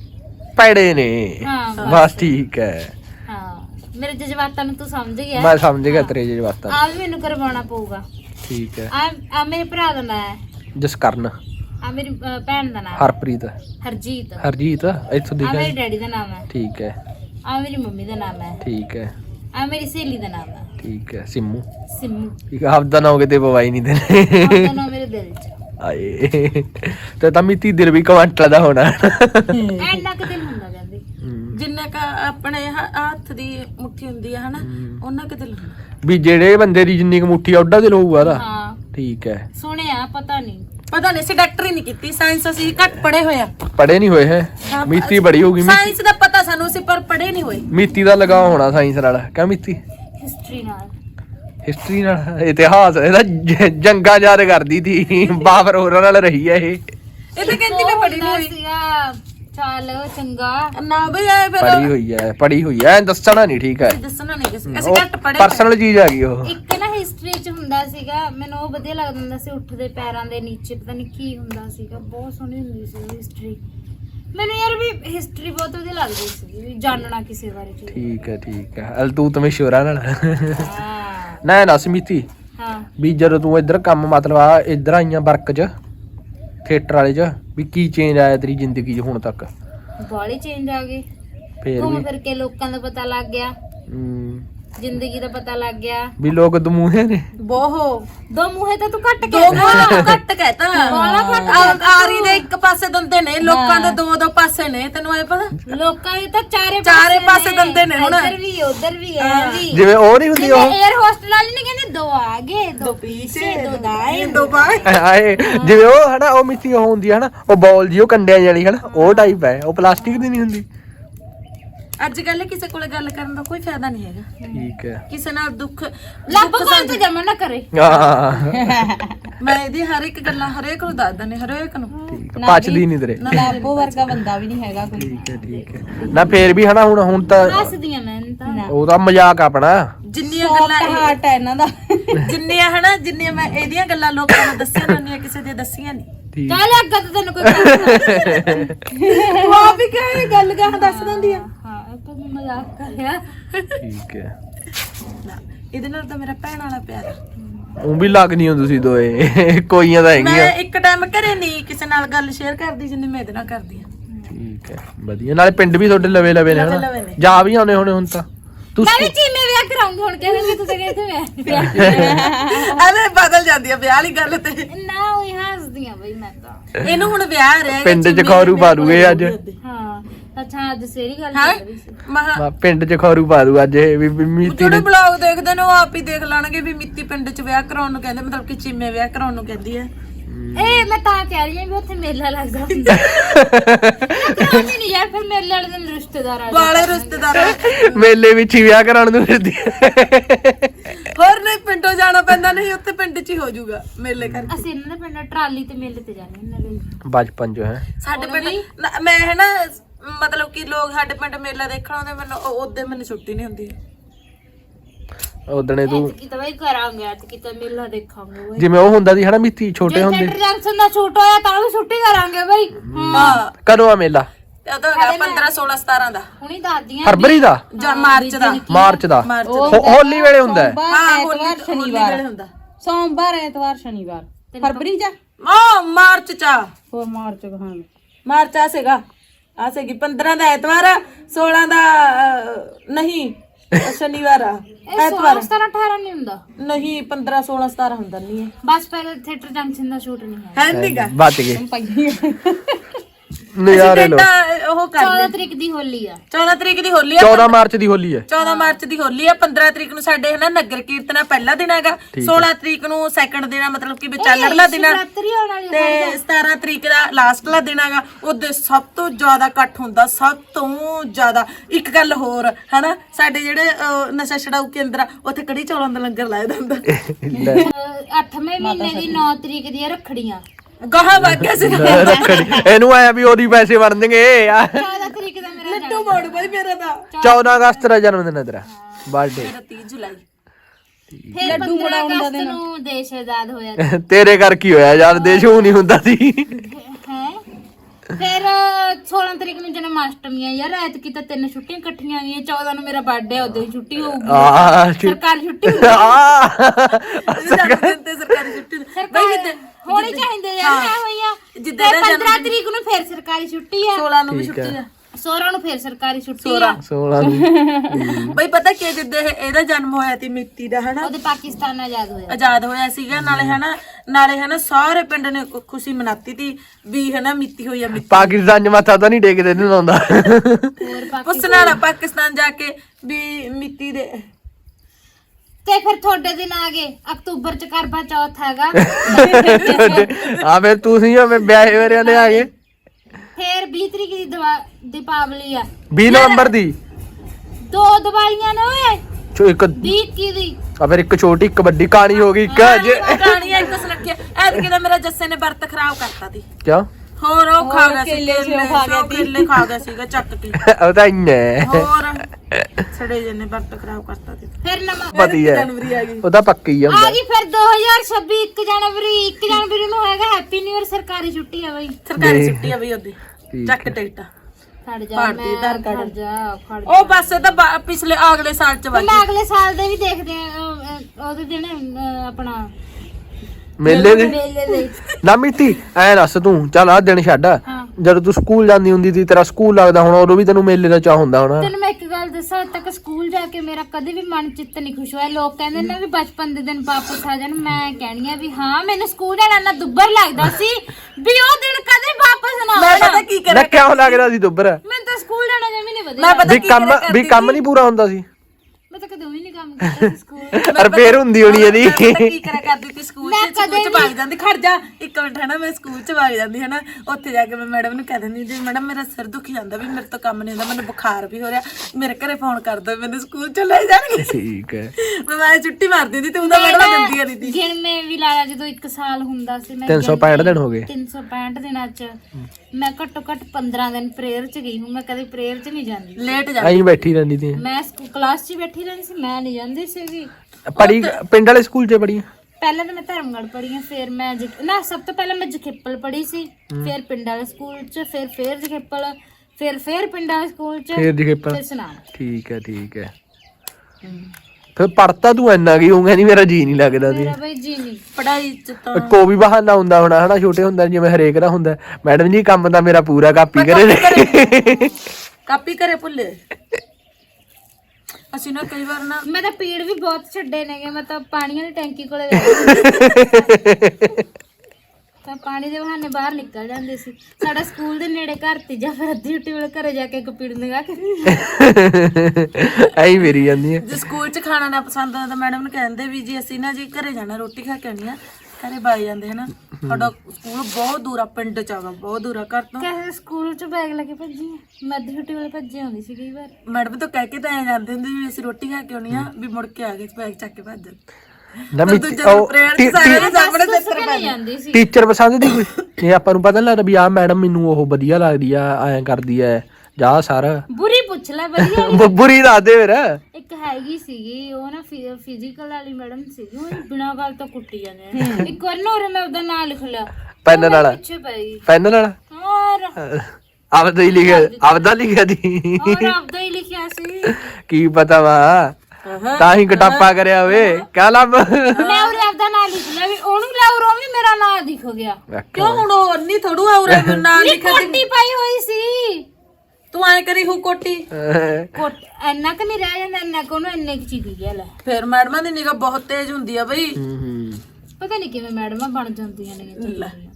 Speaker 2: ਪੈੜੇ ਨੇ
Speaker 1: ਹਾਂ
Speaker 2: ਬਸ ਠੀਕ ਹੈ
Speaker 1: ਹਾਂ ਮੇਰੇ ਜਜ਼ਬਾਤਾਂ ਨੂੰ ਤੂੰ ਸਮਝ ਗਿਆ
Speaker 2: ਮੈਂ ਸਮਝ ਗਿਆ ਤੇਰੇ ਜਜ਼ਬਾਤਾਂ
Speaker 1: ਆ ਵੀ ਮੈਨੂੰ ਕਰਵਾਉਣਾ ਪਊਗਾ
Speaker 2: ਠੀਕ ਹੈ
Speaker 1: ਆ ਮੇਰੇ ਭਰਾ ਦਾ ਨਾਂ ਹੈ
Speaker 2: ਜਸਕਰਨ
Speaker 1: ਆ ਮੇਰੀ ਭੈਣ ਦਾ ਨਾਮ
Speaker 2: ਹਰਪ੍ਰੀਤ
Speaker 1: ਹਰਜੀਤ
Speaker 2: ਹਰਜੀਤ ਇੱਥੋਂ
Speaker 1: ਆ
Speaker 2: ਦਿਖਾ
Speaker 1: ਮੇਰੇ ਡੈਡੀ ਦਾ ਨਾਮ ਹੈ
Speaker 2: ਠੀਕ ਹੈ
Speaker 1: ਆ ਮੇਰੀ ਮੰਮੀ ਦਾ ਨਾਮ ਹੈ
Speaker 2: ਠੀਕ ਹੈ
Speaker 1: ਆ ਮੇਰੀ ਸਹੇਲੀ ਦਾ ਨਾਮ ਹੈ
Speaker 2: ਠੀਕ ਹੈ ਸਿੰਮੂ
Speaker 1: ਸਿੰਮੂ
Speaker 2: ਠੀਕ ਆਪਦਾ ਨਾਮ ਕਿਤੇ ਪਵਾਈ ਨਹੀਂ ਦੇਣੇ
Speaker 1: ਉਹਦਾ ਨਾਮ ਮੇਰੇ ਦਿਲ 'ਚ
Speaker 2: ਆਏ ਤੇ ਤਾਂ ਮਿੱਤੀ ਦਿਲ ਵੀ ਕਵਾਂਟਲ ਦਾ ਹੋਣਾ
Speaker 1: ਐਨਾ ਕਿ ਦਿਲ ਹੁੰਦਾ ਕਹਿੰਦੇ
Speaker 3: ਜਿੰਨਾ ਕ ਆਪਣੇ ਹੱਥ ਦੀ ਮੁੱਠੀ ਹੁੰਦੀ ਹੈ ਹਨਾ ਉਹਨਾਂ ਕਿਤੇ ਲੱਗਦਾ
Speaker 2: ਵੀ ਜਿਹੜੇ ਬੰਦੇ ਦੀ ਜਿੰਨੀ ਕੁ ਮੁੱਠੀ ਓਡਾ ਦਿਲ ਹੋਊਗਾ ਉਹਦਾ
Speaker 1: ਹਾਂ
Speaker 2: ਠੀਕ ਹੈ
Speaker 1: ਸੁਣਿਆ ਪਤਾ ਨਹੀਂ
Speaker 3: ਸੀ ਡਾਕਟਰੀ ਨਹੀਂ ਕੀਤੀ ਸਾਇੰਸ ਅਸੀਂ ਘੱਟ ਪੜੇ ਹੋਏ ਆ
Speaker 2: ਪੜੇ ਨਹੀਂ ਹੋਏ ਹੈ ਮਿੱਤੀ ਬੜੀ ਹੋਊਗੀ
Speaker 3: ਸਾਇੰਸ ਦਾ ਪਤਾ ਸਾਨੂੰ ਸੀ ਪਰ ਪੜੇ ਨਹੀਂ ਹੋਏ
Speaker 2: ਮਿੱਤੀ ਦਾ ਲਗਾਅ ਹੋਣਾ ਸਾਇੰਸ ਨਾਲ ਕਿਆ ਮਿੱਤੀ
Speaker 1: ਹਿਸਟਰੀ ਨਾਲ
Speaker 2: ਹਿਸਟਰੀ ਨਾਲ ਇਤਿਹਾਸ ਇਹਦਾ ਜੰਗਾਂ ਯਾਦ ਕਰਦੀ ਸੀ ਬਾਬਰ ਹੋਰਾਂ ਨਾਲ ਰਹੀ ਹੈ ਇਹ
Speaker 3: ਇਹ ਤਾਂ ਕਹਿੰਦੀ ਮੈਂ ਪੜੀ ਨਹੀਂ ਹੋਈ
Speaker 1: ਸੀਗਾ ਚੱਲ ਚੰਗਾ
Speaker 3: ਨਾ ਬਈ ਆਏ ਫਿਰ
Speaker 2: ਪੜੀ ਹੋਈ ਹੈ ਦੱਸਣਾ ਨਹੀਂ ਠੀਕ ਹੈ
Speaker 3: ਦੱਸਣਾ ਨਹੀਂ ਕਿਸੇ ਅਸੀਂ ਘੱਟ ਪੜੇ
Speaker 2: ਪਰਸਨਲ ਚੀਜ਼ ਆ ਗਈ ਉਹ
Speaker 1: ਇੱਕ ਨਾ ਹਿਸਟਰੀ 'ਚ ਹੁੰਦਾ ਸੀਗਾ ਮੈਨੂੰ ਉਹ ਵਧੀਆ ਲੱਗਦਾ ਹੁੰਦਾ ਸੀ ਉੱਠਦੇ ਪੈਰਾਂ ਦੇ ਨੀਚੇ ਪਤਾ ਨਹੀਂ ਕੀ ਹੁੰਦਾ ਸੀਗਾ ਬਹੁਤ ਸੋਹਣੀ ਹੁੰਦੀ ਸੀ ਹਿਸਟਰੀ ਮੈਨੂੰ ਯਾਰ ਵੀ ਹਿਸਟਰੀ ਬਹੁਤ ਵਧੀਆ ਲੱਗਦੀ ਸੀ ਵੀ ਜਾਣਨਾ ਕਿਸੇ ਬਾਰੇ ਚ
Speaker 2: ਠੀਕ ਹੈ ਅਲ ਤੂੰ ਤਮੇ ਸ਼ੋਰਾ ਨਾਲ
Speaker 1: ਹਾਂ
Speaker 2: ਨਾ ਸਮਿਤੀ
Speaker 1: ਹਾਂ
Speaker 2: ਵੀ ਜਦੋਂ ਤੂੰ ਇੱਧਰ ਕੰਮ ਮਤਲਬ ਆ ਇੱਧਰ ਆਈਆਂ ਵਰਕ 'ਚ ਥੀਏਟਰ ਵਾਲੇ 'ਚ ਵੀ ਕੀ ਚੇਂਜ ਆਇਆ ਤੇਰੀ ਜ਼ਿੰਦਗੀ 'ਚ ਹੁਣ ਤੱਕ
Speaker 1: ਬਾਲੀ ਚੇਂਜ ਆ ਗਏ
Speaker 2: ਫੇਰ
Speaker 1: ਘੁੰਮ
Speaker 2: ਵੀ
Speaker 1: ਫਿਰ ਕੇ ਲੋਕਾਂ ਦਾ ਪਤਾ ਲੱਗ ਗਿਆ ਜ਼ਿੰਦਗੀ ਦਾ ਪਤਾ ਲੱਗ ਗਿਆ
Speaker 2: ਵੀ ਲੋਕ ਦਮੂਹੇ ਨੇ
Speaker 3: ਬਹੁਤ
Speaker 1: ਦੋ ਮੂਹੇ ਤਾਂ ਤੂੰ ਘੱਟ
Speaker 3: ਦੋ
Speaker 1: ਕੇ
Speaker 3: ਘੱਟ ਕਹਿਤਾ ਆਰੀ ਦੇ ਇੱਕ ਪਾਸੇ ਦੰਦੇ ਨੇ ਲੋਕਾਂ ਦੇ ਦੋ ਪਾਸੇ ਨੇ ਤੈਨੂੰ ਐ ਪਤਾ
Speaker 1: ਲੋਕਾਂ ਦੇ ਤਾਂ
Speaker 3: ਚਾਰੇ ਪਾਸੇ ਦੰਦੇ ਨੇ ਹੁਣ
Speaker 1: ਇੱਧਰ ਵੀ ਉੱਧਰ ਵੀ ਐ ਵੀ
Speaker 2: ਜਿਵੇਂ ਉਹ ਨਹੀਂ ਹੁੰਦੀ ਉਹ
Speaker 1: 에ਅਰ ਹੋਸਟਲ ਵਾਲੀ ਨਹੀਂ ਕਹਿੰਦੇ ਦੋ ਆਗੇ ਦੋ ਪਿੱਛੇ ਦੋ ਦਾएं
Speaker 3: ਦੋ ਬਾਏ
Speaker 2: ਆਏ ਜਿਵੇਂ ਉਹ ਹਨਾ ਉਹ ਮਿੱਟੀ ਉਹ ਹੁੰਦੀ ਹੈ ਹਨਾ ਉਹ ਬਾਲ ਜੀ ਉਹ ਕੰਡਿਆਂ ਵਾਲੀ ਹਨਾ ਉਹ ਟਾਈਪ ਹੈ ਉਹ ਪਲਾਸਟਿਕ ਦੀ ਨਹੀਂ ਹੁੰਦੀ
Speaker 3: ਅੱਜ ਕੱਲ ਕਿਸੇ ਕੋਲੇ ਗੱਲ ਕਰਨ ਦਾ ਕੋਈ ਫਾਇਦਾ ਨਹੀਂ ਹੈਗਾ
Speaker 2: ਠੀਕ ਹੈ
Speaker 3: ਕਿਸੇ ਨਾਲ ਦੁੱਖ
Speaker 1: ਲੱਭ ਕੋਲ ਤੇ ਜਮਾ ਨਾ ਕਰੇ
Speaker 2: ਹਾਂ
Speaker 3: ਮੈਂ ਇਹਦੀ ਹਰ ਇੱਕ ਗੱਲਾਂ ਹਰੇਕ ਨੂੰ ਦੱਸ ਦਿੰਦੀ ਹਰੇਕ ਨੂੰ
Speaker 2: ਠੀਕ ਹੈ ਪਚਦੀ ਨਹੀਂ ਤੇਰੇ
Speaker 4: ਲਾਭੋ ਵਰਗਾ ਬੰਦਾ ਵੀ ਨਹੀਂ ਹੈਗਾ ਕੋਈ
Speaker 2: ਠੀਕ ਹੈ ਨਾ ਫੇਰ ਵੀ ਹਨਾ ਹੁਣ ਤਾਂ
Speaker 1: ਹੱਸਦੀਆਂ ਮੈਂ ਤਾਂ
Speaker 2: ਉਹਦਾ ਮਜ਼ਾਕ ਆਪਣਾ
Speaker 3: ਜਿੰਨੀਆਂ ਗੱਲਾਂ
Speaker 4: ਹਾਰਟ ਹੈ ਇਹਨਾਂ ਦਾ
Speaker 3: ਜਿੰਨੀਆਂ ਮੈਂ ਇਹਦੀਆਂ ਗੱਲਾਂ ਲੋਕਾਂ ਨੂੰ ਦੱਸੀਆਂ ਨਹੀਂ ਕਿਸੇ ਦੀਆਂ ਦੱਸੀਆਂ ਨਹੀਂ
Speaker 2: ਠੀਕ
Speaker 1: ਚੱਲ ਅੱਗਾ ਤਾਂ ਤੈਨੂੰ ਕੋਈ ਪਤਾ
Speaker 3: ਉਹ ਆਪ ਹੀ ਕਹੇ ਗੱਲ ਗਾਹ ਦੱਸ ਦਿੰਦੀ ਆ
Speaker 1: ਹਾਂ ਆਪਾਂ ਨੂੰ ਮਜ਼ਾਕ ਕਰ ਰਿਹਾ
Speaker 2: ਠੀਕ ਹੈ
Speaker 3: ਇਹਦੇ ਨਾਲ ਤਾਂ ਮੇਰਾ ਭੈਣ ਵਾਲਾ ਪਿਆਰ ਆ
Speaker 2: ਉਹ ਵੀ ਲੱਗਨੀ ਹੋ ਤੁਸੀਂ ਦੋਏ ਕੋਈਆਂ ਤਾਂ ਹੈਗੀਆਂ
Speaker 3: ਮੈਂ ਇੱਕ ਟਾਈਮ ਘਰੇ ਨਹੀਂ ਕਿਸੇ ਨਾਲ ਗੱਲ ਸ਼ੇਅਰ ਕਰਦੀ ਜਿੰਨੀ ਮੈਂ ਇਹਦੇ ਨਾਲ ਕਰਦੀ ਆ
Speaker 2: ਠੀਕ ਹੈ ਵਧੀਆ ਨਾਲੇ ਪਿੰਡ ਵੀ ਤੁਹਾਡੇ ਲਵੇ ਨੇ ਹਨਾ
Speaker 3: ਲਵੇ ਨੇ।
Speaker 2: ਜਾ ਵੀ ਆਉਣੇ ਹੋਣੇ ਹੁਣ ਤਾਂ ਤੂੰ
Speaker 1: ਮੈਂ ਵੀ ਚੀਮੇ ਵਿਆਹ ਕਰਾਉਂਗੀ ਹੁਣ ਕਹਿੰਦੇ ਤੂੰ ਤਾਂ ਕਹਿੰਦੇ ਮੈਂ
Speaker 3: ਐਵੇਂ ਬਦਲ ਜਾਂਦੀ ਆ ਵਿਆਹ ਵਾਲੀ ਗੱਲ ਤੇ
Speaker 1: ਨਾ ਉਹ ਹੱਸਦੀਆਂ ਬਈ ਮੈਂ ਤਾਂ
Speaker 3: ਇਹਨੂੰ ਹੁਣ ਵਿਆਹ ਰਿਹਾ
Speaker 2: ਪਿੰਡ 'ਚ ਖੌਰੂ ਪਾਰੂਗੇ ਅੱਜ
Speaker 1: ਹਾਂ ਅੱਛਾ ਅੱਜ ਸੇਰੀ ਗੱਲ ਕਰ ਰਹੀ ਸੀ
Speaker 3: ਮਹਾ
Speaker 2: ਪਿੰਡ 'ਚ ਖੌਰੂ ਪਾਰੂ ਅੱਜ ਇਹ ਵੀ ਮਿੱਤੀ
Speaker 3: ਜਿਹੜੇ
Speaker 2: ਨੇ
Speaker 3: ਬਲੌਗ ਦੇਖਦੇ ਨੇ ਉਹ ਆਪ ਹੀ ਦੇਖ ਲੈਣਗੇ ਵੀ ਮਿੱਤੀ ਪਿੰਡ 'ਚ ਵਿਆਹ ਕਰਾਉਣ ਨੂੰ ਕਹਿੰਦੇ ਮਤਲਬ ਕਿ ਚੀਮੇ ਵਿਆਹ ਕਰਾਉਣ ਨੂੰ ਕਹਿੰਦੀ ਹੈ
Speaker 1: ਇਹ ਮੈਂ ਤਾਂ ਕਹਿ ਰਹੀ ਹਾਂ ਵੀ ਉੱਥੇ ਮੇਲਾ ਲੱਗਦਾ ਹੁੰਦਾ ਨਹੀਂ ਯਾਰ ਫਿਰ ਮੇਲੇ ਵਾਲੇ ਦਿਨ ਰਿਸ਼ਤੇਦਾਰ ਆ
Speaker 3: ਵਾਲੇ ਰਿਸ਼ਤੇਦਾਰ
Speaker 2: ਮੇਲੇ ਵਿੱਚ ਹੀ ਵਿਆਹ ਕਰਾਉਣ ਨੂੰ ਫਿਰਦੀ
Speaker 3: ਹੋਰ ਨਹੀਂ ਪਿੰਡੋਂ ਜਾਣਾ ਪੈਂਦਾ ਨਹੀਂ ਉੱਥੇ ਪਿੰਡ 'ਚ ਹੀ ਹੋ ਜਾਊਗਾ ਮੇਲੇ ਕਰਕੇ
Speaker 1: ਅਸੀਂ ਇਹਨਾਂ ਦੇ ਪਿੰਡ ਟਰਾਲੀ ਤੇ ਮੇਲੇ ਤੇ ਜਾਂਦੇ ਹੁੰਦੇ ਬਈ
Speaker 2: ਬਚਪਨ 'ਚ ਹੈ
Speaker 3: ਸਾਡੇ ਪਿੰਡ ਮੈਂ ਹੈ ਨਾ ਮਤਲਬ ਕਿ ਲੋਕ ਸਾਡੇ ਪਿੰਡ ਮੇਲਾ ਦੇਖਣ ਆਉਂਦੇ ਮੈਨੂੰ ਉਹਦੇ ਮੈਨੂੰ ਛੁੱਟੀ ਨਹੀਂ ਹੁੰਦੀ
Speaker 2: ਉਦਣੇ ਤੂੰ
Speaker 1: ਕਿਤੇ ਬਈ ਕਰਾਂਗੇ ਅੱਜ ਕਿਤੇ ਮੇਲਾ ਦੇਖਾਂਗੇ ਬਈ
Speaker 2: ਜਿਵੇਂ ਉਹ ਹੁੰਦਾ ਸੀ ਹਨਾ ਮਿੱਤੀ ਛੋਟੇ
Speaker 1: ਜੇ
Speaker 2: ਹੁੰਦੇ
Speaker 1: ਸੈਂਟਰ ਜੰਕਸ਼ਨ ਦਾ ਸ਼ੂਟ ਹੋਇਆ ਤਾਂ ਵੀ ਛੁੱਟੀ ਕਰਾਂਗੇ ਬਈ
Speaker 3: ਹਾਂ
Speaker 2: ਕਦੋਂ ਆ ਮੇਲਾ
Speaker 3: ਉਦੋਂ ਹੈਗਾ 15 16 17 ਦਾ
Speaker 1: ਹੁਣੀ ਦੱਸਦੀਆਂ
Speaker 2: ਫਰਵਰੀ ਦਾ
Speaker 3: ਜਾਂ ਮਾਰਚ ਦਾ
Speaker 2: ਮਾਰਚ ਦਾ ਹੋਲੀ ਵੇਲੇ ਹੁੰਦਾ ਹੈ
Speaker 4: ਐਤਵਾਰ ਸ਼ਨੀਵਾਰ
Speaker 3: ਹੁੰਦਾ
Speaker 4: ਸੋਮਵਾਰ ਐਤਵਾਰ ਸ਼ਨੀਵਾਰ ਫਰਵਰੀ ਜਾ
Speaker 3: ਮਾਰਚ ਚ
Speaker 4: ਹੋਰ ਮਾਰਚ ਗਾਂ
Speaker 3: ਮਾਰਚ ਆ ਸੀਗਾ ਆ ਸੀਗੀ 15 ਦਾ ਐਤਵਾਰ ਆ 16 ਦਾ ਨਹੀਂ ਸ਼ਨੀਵਾਰ ਆ
Speaker 1: ਇਹ 16 17 18 ਨਹੀਂ ਹੁੰਦਾ
Speaker 3: ਨਹੀਂ 15 16 17 ਹੁੰਦਾ ਨਹੀਂ
Speaker 1: ਬਸ ਪਹਿਲੇ ਥੀਏਟਰ ਜੰਕਸ਼ਨ ਦਾ ਸ਼ੂਟ ਨਹੀਂ ਹੈ
Speaker 3: ਹੈ ਨਹੀਂਗਾ
Speaker 2: ਬਚ ਗਏ ਨਜ਼ਾਰੇ ਲੋ
Speaker 3: ਉਹ ਕਰ
Speaker 1: 14 ਤਰੀਕ ਦੀ ਹੋਲੀ ਆ
Speaker 3: 14 ਤਰੀਕ ਦੀ ਹੋਲੀ ਆ
Speaker 2: 14 ਮਾਰਚ ਦੀ ਹੋਲੀ ਹੈ
Speaker 3: 14 ਮਾਰਚ ਦੀ ਹੋਲੀ ਆ 15 ਤਰੀਕ ਨੂੰ ਸਾਡੇ ਹਨਾ ਨਗਰ ਕੀਰਤਨ ਆ ਪਹਿਲਾ ਦਿਨ ਹੈਗਾ 16 ਤਰੀਕ ਨੂੰ ਸੈਕੰਡ ਦਿਨ ਆ ਮਤਲਬ ਕਿ ਵਿਚਾਲੜਲਾ ਦਿਨ ਆ
Speaker 1: ਸ਼ਿਵਰਾਤਰੀ ਆਉਣ ਵਾਲੀ
Speaker 3: ਤੇ 17 ਤਰੀਕ ਦਾ ਲਾਸਟਲਾ ਦਿਨ ਹੈਗਾ ਉਹਦੇ ਸਭ ਤੋਂ ਜ਼ਿਆਦਾ ਇਕੱਠ ਹੁੰਦਾ ਸਭ ਤੋਂ ਜ਼ਿਆਦਾ ਇੱਕ ਗੱਲ ਹੋਰ ਹਨਾ ਸਾਡੇ ਜਿਹੜੇ ਨਸ਼ਾ ਛਡਾਊ ਕੇਂਦਰ ਆ ਉੱਥੇ ਕੜੀ ਚੌਲਾਂ ਦਾ ਲੰਗਰ ਲਾਇਆ ਜਾਂਦਾ
Speaker 1: 8ਵੇਂ ਮਹੀਨੇ ਦੀ 9 ਤਰੀਕ ਦੀਆਂ ਰੱਖੜੀਆਂ
Speaker 3: ਗਾਹਾਂ ਵਾਗਿਆ ਸੀ
Speaker 2: ਰੱਖੜੀ ਇਹਨੂੰ ਆਇਆ ਵੀ ਉਹਦੀ ਪੈਸੇ ਬਣਨਗੇ
Speaker 1: 14 ਤਰੀਕ ਦਾ ਮੇਰਾ
Speaker 3: ਲੱਡੂ ਮੋੜ ਬਈ ਮੇਰਾ ਦਾ
Speaker 2: 14 ਅਗਸਤ ਦਾ ਜਨਮ ਦਿਨ ਹੈ ਤੇਰਾ ਬਰਥਡੇ
Speaker 3: 30 ਜੁਲਾਈ
Speaker 1: ਫਿਰ 15 ਅਗਸਤ ਨੂੰ ਦੇਸ਼ ਆਜ਼ਾਦ ਹੋਇਆ
Speaker 2: ਤੇਰੇ ਕਰ ਕੀ ਹੋਇਆ ਯਾਰ ਦੇਸ਼ ਉਹ ਨਹੀਂ ਹੁੰਦਾ ਸੀ
Speaker 1: ਹੈ ਫਿਰ 16 ਤਰੀਕ ਨੂੰ ਜਨਮ ਅਸ਼ਟਮੀ ਆ ਯਾਰ ਐਤਕੀ ਤਾਂ 3 ਛੁੱਟੀਆਂ ਇਕੱਠੀਆਂ ਆ ਗਈਆਂ 14 ਨੂੰ ਮੇਰਾ ਬਰਥਡੇ ਆ ਉਦੋਂ ਹੀ ਛੁੱਟੀ ਹੋਊਗੀ ਸਰਕਾਰੀ ਛੁੱਟੀ
Speaker 3: ਤੇ ਸਰਕਾਰੀ ਛੁੱਟੀ
Speaker 1: ਸਰਕਾਰੀ ਹੋਣੀ ਚਾਹੀਦੀ ਯਾਰ ਮੈਂ ਹੋਈਆਂ ਜਿੱਦਾਂ 15 ਤਰੀਕ ਨੂੰ ਫਿਰ ਸਰਕਾਰੀ ਛੁੱਟੀ ਆ
Speaker 3: 16 ਨੂੰ ਵੀ ਛੁੱਟੀ ਆ
Speaker 1: 16 ਨੂੰ ਫਿਰ ਸਰਕਾਰੀ ਛੁੱਟੀ ਆ
Speaker 2: 16 ਨੂੰ
Speaker 3: ਬਈ ਪਤਾ ਕੀ ਜਿੱਦੇ ਇਹਦਾ ਜਨਮ ਹੋਇਆ ਸੀ ਮਿੱਤੀ ਦਾ ਹਨਾ
Speaker 1: ਉਹਦੇ ਪਾਕਿਸਤਾਨ ਆਜ਼ਾਦ ਹੋਇਆ
Speaker 3: ਆਜ਼ਾਦ ਹੋਇਆ ਸੀਗਾ ਨਾਲੇ ਹਨਾ ਸਾਰੇ ਪਿੰਡ ਨੇ ਖੁਸ਼ੀ ਮਨਾਤੀ ਤੀ ਵੀ ਹਨਾ ਮਿੱਤੀ ਹੋਈ ਆ ਮਿੱਤੀ
Speaker 2: ਪਾਕਿਸਤਾਨ ਚ ਮੱਥਾ ਤਾਂ ਨਹੀਂ ਟੇਕਦੇ ਨਹੀਂ ਲਾਉਂਦਾ
Speaker 1: ਹੋਰ
Speaker 3: ਪੁੱਛਣਾ ਨਾ ਪਾਕਿਸਤਾਨ ਜਾ ਕੇ ਵੀ ਮਿੱਤੀ ਦੇ
Speaker 1: ਤੇ ਫਿਰ ਤੁਹਾਡੇ ਦਿਨ ਆ ਗਏ ਅਕਤੂਬਰ ਚ ਕਰਵਾ ਚੌਥ ਹੈਗਾ
Speaker 2: ਆ ਫਿਰ ਤੁਸੀਂ ਆ ਵਿਆਹੇ ਵਰਿਆਂ ਦੇ ਆ ਗਏ
Speaker 1: ਫਿਰ 20 ਤਰੀਕ ਦੀ ਦੀਪਾਵਲੀ ਆ
Speaker 2: 20 ਨਵੰਬਰ ਦੀ
Speaker 1: 2 ਦੀਵਾਲੀਆਂ ਨੇ ਓਏ
Speaker 2: ਚੋ ਇੱਕ
Speaker 1: 20 ਕੀ ਦੀ
Speaker 2: ਆ ਫਿਰ ਇੱਕ ਛੋਟੀ ਇੱਕ ਵੱਡੀ ਕਹਾਣੀ ਹੋ ਗਈ ਇੱਕ ਜੇ
Speaker 3: ਕਹਾਣੀ ਇੱਕ ਸੁਣਖਿਆ ਐਤਕੀ ਦਾ ਮੇਰਾ ਜੱਸੇ ਨੇ ਵਰਤ ਖਰਾਬ ਕਰਤਾ ਤੀ
Speaker 2: ਕਿਉਂ
Speaker 3: ਹੋਰ ਉਹ ਖਾ ਗਿਆ ਸੀ ਕੇਲੇ ਖਾ ਗਿਆ ਸੀਗਾ ਚੱਕ ਕੇ
Speaker 2: ਉਹ ਤਾਂ ਇੰਨੇ
Speaker 3: ਹੋਰ ਛੜੇ ਜੇ ਨੇ ਵਰਤ ਖਰਾਬ ਕਰਤਾ ਤੀ
Speaker 1: ਫਿਰ ਨਵਾਂ
Speaker 2: ਪਤੀ ਹੈ
Speaker 3: ਜਨਵਰੀ ਆ ਗਈ
Speaker 2: ਉਹ ਤਾਂ ਪੱਕੀ ਆ
Speaker 1: ਆ ਗਈ ਫਿਰ 2026 1 ਜਨਵਰੀ ਨੂੰ ਹੋਏਗਾ ਹੈਪੀ ਨਿਊ ਇਅਰ ਸਰਕਾਰੀ ਛੁੱਟੀ ਆ ਬਈ
Speaker 3: ਸਰਕਾਰੀ ਛੁੱਟੀ ਆ ਬਈ ਉਹਦੀ ਚੱਕ ਟਿਕਟਾਂ
Speaker 1: ਖੜ ਜਾ
Speaker 3: ਭਾਰਤੀ
Speaker 1: ਮੈਂ
Speaker 3: ਆਧਾਰ ਕਾਰਡ।
Speaker 1: ਖੜ ਜਾ ਖੜ
Speaker 3: ਉਹ ਪਾਸੇ ਤਾਂ ਪਿਛਲੇ ਅਗਲੇ ਸਾਲ ਚ ਵਗ
Speaker 1: ਮੈਂ ਅਗਲੇ ਸਾਲ ਦੇ ਵੀ ਦੇਖਦੇ ਆ ਉਹਦੇ ਦਿਨ ਆਪਣਾ
Speaker 2: ਮੇਲੇ ਦੇ
Speaker 1: ਮੇਲੇ ਦੇ
Speaker 2: ਨਾ ਮਿੱਤੀ ਐ ਦੱਸ ਤੂੰ ਚੱਲ ਆ ਦਿਨ ਛੱਡ
Speaker 1: ਹਾਂ।
Speaker 2: ਜਦੋਂ ਤੂੰ ਸਕੂਲ ਜਾਂਦੀ ਹੁੰਦੀ ਸੀ ਤੇਰਾ ਸਕੂਲ ਲੱਗਦਾ ਹੁਣ ਉਦੋਂ ਵੀ ਤੈਨੂੰ ਮੇਲੇ ਦਾ ਚਾਹ ਹੁੰਦਾ ਹੋਣਾ
Speaker 1: ਤੈਨੂੰ ਮੈਂ ਇੱਕ ਗੱਲ ਦੱਸਾਂ ਅੱਜ ਤੱਕ ਸਕੂਲ ਜਾ ਕੇ ਮੇਰਾ ਕਦੇ ਵੀ ਮਨ ਚਿੱਤ ਨਹੀਂ ਖੁਸ਼ ਹੋਇਆ ਲੋਕ ਕਹਿੰਦੇ ਨੇ ਵੀ ਬਚਪਨ ਦੇ ਦਿਨ ਵਾਪਸ ਆ ਜਾਣ ਮੈਂ ਕਹਿਣੀ ਆ ਵੀ ਹਾਂ ਮੈਨੂੰ ਸਕੂਲ ਜਾਣਾ ਨਾ ਦੁੱਬਰ ਲੱਗਦਾ ਸੀ ਵੀ ਉਹ ਦਿਨ ਕਦੇ ਵਾਪਸ ਨਾ
Speaker 3: ਮੈਂ
Speaker 1: ਆਉਣ
Speaker 3: ਪਤਾ ਕੀ
Speaker 2: ਨਾ
Speaker 3: ਕਰਾਂ
Speaker 2: ਕਿਉਂ ਲੱਗਦਾ ਸੀ ਦੁੱਬਰ
Speaker 1: ਮੈਨੂੰ ਤਾਂ ਸਕੂਲ ਜਾਣਾ ਜਮੀ ਨਹੀਂ
Speaker 3: ਮੈਂ
Speaker 1: ਵਧੀਆ
Speaker 3: ਪਤਾ
Speaker 2: ਵੀ ਕੰਮ ਨਹੀਂ ਪੂਰਾ ਹੁੰਦਾ ਸੀ
Speaker 1: ਮੈਂ ਤਾਂ ਕਦੇ ਵੀ ਨਹੀਂ ਕੰਮ ਕੀਤਾ ਸੀ ਸਕੂਲ
Speaker 2: ਰਿਪੇਅਰ ਹੁੰਦੀ ਹੋਣੀ ਇਹਦੀ
Speaker 3: ਮੈਂ ਪਤਾ ਕੀ ਕਰਿਆ ਕਰਦੀ ਸੀ ਸਕੂਲ ਚ ਵਗ ਜਾਂਦੀ ਖੜ ਜਾ ਇੱਕ ਮਿੰਟ ਹੈ ਨਾ ਮੈਂ ਸਕੂਲ ਚ ਵਗ ਜਾਂਦੀ ਹੈ ਨਾ ਉੱਥੇ ਜਾ ਕੇ ਮੈਂ ਮੈਡਮ ਨੂੰ ਕਹਿ ਦਿੰਦੀ ਜੀ ਮੈਡਮ ਮੇਰਾ ਸਿਰ ਦੁਖੀ ਜਾਂਦਾ ਵੀ ਮੇਰੇ ਤੋਂ ਕੰਮ ਨਹੀਂ ਹੁੰਦਾ ਮੈਨੂੰ ਬੁਖਾਰ ਵੀ ਹੋ ਰਿਹਾ ਮੇਰੇ ਘਰੇ ਫੋਨ ਕਰ ਦਿਓ ਮੈਨੂੰ ਸਕੂਲ ਚ ਲੈ ਜਾਣਗੇ
Speaker 2: ਠੀਕ ਹੈ
Speaker 3: ਮੈਂ ਛੁੱਟੀ ਮਾਰ ਦਿੰਦੀ ਤੇ ਉਹਦਾ ਮੈਡਮ ਦਿੰਦੀ ਨਹੀਂ ਸੀ
Speaker 1: ਗਿਣਵੇਂ ਵੀ ਲਾਇਆ ਜਦੋਂ 1 ਸਾਲ ਹੁੰਦਾ ਸੀ ਮੈਂ
Speaker 2: 365 ਦਿਨ ਹੋ ਗਏ
Speaker 1: 365 ਦਿਨਾਂ ਚ ਮੈਂ ਘੱਟੋ ਘੱਟ 15 ਦਿਨ ਪ੍ਰੇਅਰ ਚ ਗਈ ਹੂੰ ਮੈਂ ਕਦੇ ਪ੍ਰੇਅਰ ਚ ਨਹੀਂ ਜਾਂਦੀ
Speaker 3: ਲੇਟ ਜਾ
Speaker 2: ਐਂ ਬੈਠੀ ਰਹਿੰਦੀ ਸੀ
Speaker 1: ਮੈਂ ਕਲਾਸ 'ਚ ਹੀ ਬੈਠੀ ਰਹਿੰਦੀ ਸੀ ਮੈਂ ਨਹੀਂ ਜਾਂਦੀ ਸੀਗੀ
Speaker 2: ਪੜੀ ਪਿੰਡ ਵਾਲੇ ਸਕੂਲ 'ਚ ਪੜੀ
Speaker 1: ਪਹਿਲਾਂ ਤਾਂ ਮੈਂ ਧਰਮਗੜ੍ਹ ਪੜ੍ਹੀ ਹਾਂ ਫਿਰ ਮੈਂ ਨਾ ਸਭ ਤੋਂ ਪਹਿਲਾਂ ਮੈਂ ਜਖੇਪਲ ਪੜ੍ਹੀ ਸੀ ਫਿਰ ਪਿੰਡ ਵਾਲੇ ਸਕੂਲ 'ਚ ਫਿਰ ਜਖੇਪਲ ਫਿਰ ਪਿੰਡ ਵਾਲੇ ਸਕੂਲ 'ਚ
Speaker 2: ਫੇਰ ਦਿਖੇ ਪਰ
Speaker 1: ਫਿਰ ਸੁਨਾਮ
Speaker 2: ਠੀਕ ਹੈ ਫਿਰ ਪੜਤਾ ਤੂੰ ਇੰਨਾ ਕੀ ਹੋਊਗਾ ਨਹੀਂ ਮੇਰਾ ਜੀ ਨਹੀਂ ਲੱਗਦਾ ਸੀ
Speaker 1: ਮੇਰਾ ਬਈ ਜੀ ਨਹੀਂ
Speaker 3: ਪੜਾਈ ਚ ਤਾਂ
Speaker 2: ਕੋ ਵੀ ਬਹਾਨਾ ਹੁੰਦਾ ਹੋਣਾ ਹਨਾ ਛੋਟੇ ਹੁੰਦਾ ਜਿਵੇਂ ਹਰੇਕ ਦਾ ਹੁੰਦਾ ਮੈਡਮ ਜੀ ਕੰਮ ਤਾਂ ਮੇਰਾ ਪੂਰਾ ਕਾਪੀ ਕਰੇ
Speaker 3: ਕਾਪੀ ਕਰੇ ਭੁੱਲੇ ਅਸੀਂ ਨਾ ਕਈ ਵਾਰ ਨਾ
Speaker 1: ਮੈਂ ਤਾਂ ਪੀੜ ਵੀ ਬਹੁਤ ਛੱਡੇ ਨੇਗੇ ਮੈਂ ਤਾਂ ਪਾਣੀਆਂ ਦੀ ਟੈਂਕੀ ਕੋਲੇ ਤਾਂ ਪਾਣੀ ਦੇ ਬਹਾਨੇ ਬਾਹਰ ਨਿਕਲ ਜਾਂਦੇ ਸੀ ਸਾਡਾ ਸਕੂਲ ਦੇ ਨੇੜੇ ਘਰ ਤੇ ਜਾਂ ਫਿਰ ਅੱਧੀ ਛੁੱਟੀ ਵੇਲੇ ਘਰੇ ਜਾ ਕੇ ਇੱਕ ਪੀੜ ਲਗਾ ਕੇ
Speaker 2: ਐਂ ਮੇਰੀ ਜਾਂਦੀ ਹੈ
Speaker 3: ਜੇ ਸਕੂਲ ਚ ਖਾਣਾ ਨਾ ਪਸੰਦ ਆਉਂਦਾ ਤਾਂ ਮੈਡਮ ਨੂੰ ਕਹਿੰਦੇ ਵੀ ਜੀ ਅਸੀਂ ਨਾ ਜੀ ਘਰੇ ਜਾਣਾ ਰੋਟੀ ਖਾ ਕੇ ਆਉਣੀ ਆ ਘਰੇ ਬਾਈ ਜਾਂਦੇ ਹਨਾ ਸਾਡਾ ਸਕੂਲ ਬਹੁਤ ਦੂਰ ਆ ਪਿੰਡ ਚ ਆਗਾ ਬਹੁਤ ਦੂਰ ਆ ਘਰ ਤੋਂ
Speaker 1: ਕਿਸੇ ਸਕੂਲ ਚ ਬੈਗ ਲੈ ਕੇ ਭੱਜੀ ਮੈਂ ਅੱਧੀ ਛੁੱਟੀ ਵੇਲੇ ਭੱਜੀ ਆਉਂਦੀ ਸੀ ਕਈ ਵਾਰ
Speaker 3: ਮੈਡਮ ਤੋਂ ਕਹਿ ਕੇ ਤਾਂ ਐ ਜਾਂਦੇ ਹੁੰਦੇ ਵੀ ਅਸੀਂ ਰੋਟੀ ਖਾ ਕੇ ਆਉਣੀ ਆ ਵੀ ਮੁੜ ਕੇ ਆ ਗਏ ਬੈਗ ਚੱਕ ਕੇ ਭੱਜ
Speaker 2: ਨਾ
Speaker 3: ਜਾਂਦੇ ਦੂਜੇ ਦਿਨ ਪ੍ਰੇਅਰ ਚ ਸਾਰੇ ਦੇ ਸਾਹਮਣੇ
Speaker 1: ਸੁੱਕ ਕੇ ਨਹੀਂ ਜਾਂਦੀ ਸੀ
Speaker 2: ਟੀਚਰ ਪਸੰਦ ਦੀ ਕੋਈ ਇਹ ਆਪਾਂ ਨੂੰ ਪਤਾ ਨੀ ਲੱਗਦਾ ਵੀ ਆਹ ਮੈਡਮ ਮੈਨੂੰ ਉਹ ਵਧੀਆ ਲੱਗਦੀ ਆ ਐਂ ਕਰਦੀ ਐ ਜਾ ਸਰ
Speaker 1: ਬੁਰੀ ਪੁੱਛ ਲੈ ਵਧੀਆ
Speaker 2: ਬੁਰੀ ਦੱਸ ਦੇ ਫਿਰ
Speaker 1: ਇੱਕ ਹੈਗੀ ਸੀਗੀ ਉਹ ਨਾ ਫਿਜ਼ੀਕਲ ਵਾਲੀ ਮੈਡਮ ਸੀਗੀ ਉਹ ਬਿਨਾਂ ਗੱਲ ਤੋਂ ਕੁੱਟੀ ਜਾਂਦੇ ਇੱਕ ਵਾਰ ਨਾ ਮੈਂ ਉਹਦਾ ਨਾਂ ਲਿਖ ਲਿਆ
Speaker 2: ਪੈਨ ਨਾਲ
Speaker 1: ਪਿੱਛੇ ਪਈ
Speaker 2: ਪੈਨ ਨਾਲ
Speaker 1: ਹੋਰ
Speaker 2: ਆਪਦਾ ਹੀ ਲਿਖਿਆ ਆਪਦਾ ਲਿਖਿਆ ਦੀ
Speaker 1: ਹੋਰ ਆਪਦਾ ਹੀ ਲਿਖਿਆ ਸੀ
Speaker 2: ਕੀ ਪਤਾ ਵਾ ਤਾਂ ਹੀ ਕਟਾਪਾ ਕਰਿਆ ਵੇ ਕਿਆ ਲੱਭ
Speaker 1: ਮੈਂ ਉਹ ਆਪਦਾ ਨਾਂ ਲਿਖ ਲਿਆ ਵੀ ਉਹਨੂੰ ਲਾਉਰੋਂ ਵੀ ਮੇਰਾ ਨਾਂ ਦਿਖ ਗਿਆ
Speaker 3: ਕਿਉਂ ਹੁਣ ਉਹ ਨਹੀਂ ਥੋੜੂ ਆਉਰੇ ਨਾ
Speaker 1: ਕੋਟੀ ਪਾਈ ਹੋਈ ਸੀ
Speaker 3: ਤੂੰ ਐ ਕਰੀ ਹੂ ਕੋਟੀ
Speaker 1: ਕੋਟ ਇੰਨਾ ਕੁ ਨਹੀਂ ਰਹਿ ਜਾਂਦਾ, ਇੰਨਾ ਕੁ ਉਹਨੂੰ ਇੰਨੇ ਕੁ ਚੀਜ਼ ਗਿਆ ਲੈ।
Speaker 3: ਫਿਰ ਮੈਡਮਾਂ ਦੀ ਨਿਗਾਹ ਬਹੁਤ ਤੇਜ਼ ਹੁੰਦੀ ਆ ਬਈ।
Speaker 2: ਹੂੰ
Speaker 1: ਪਤਾ ਨਹੀਂ ਕਿਵੇਂ ਮੈਡਮਾਂ ਬਣ ਜਾਂਦੀਆਂ ਨੇ
Speaker 3: ਲੈ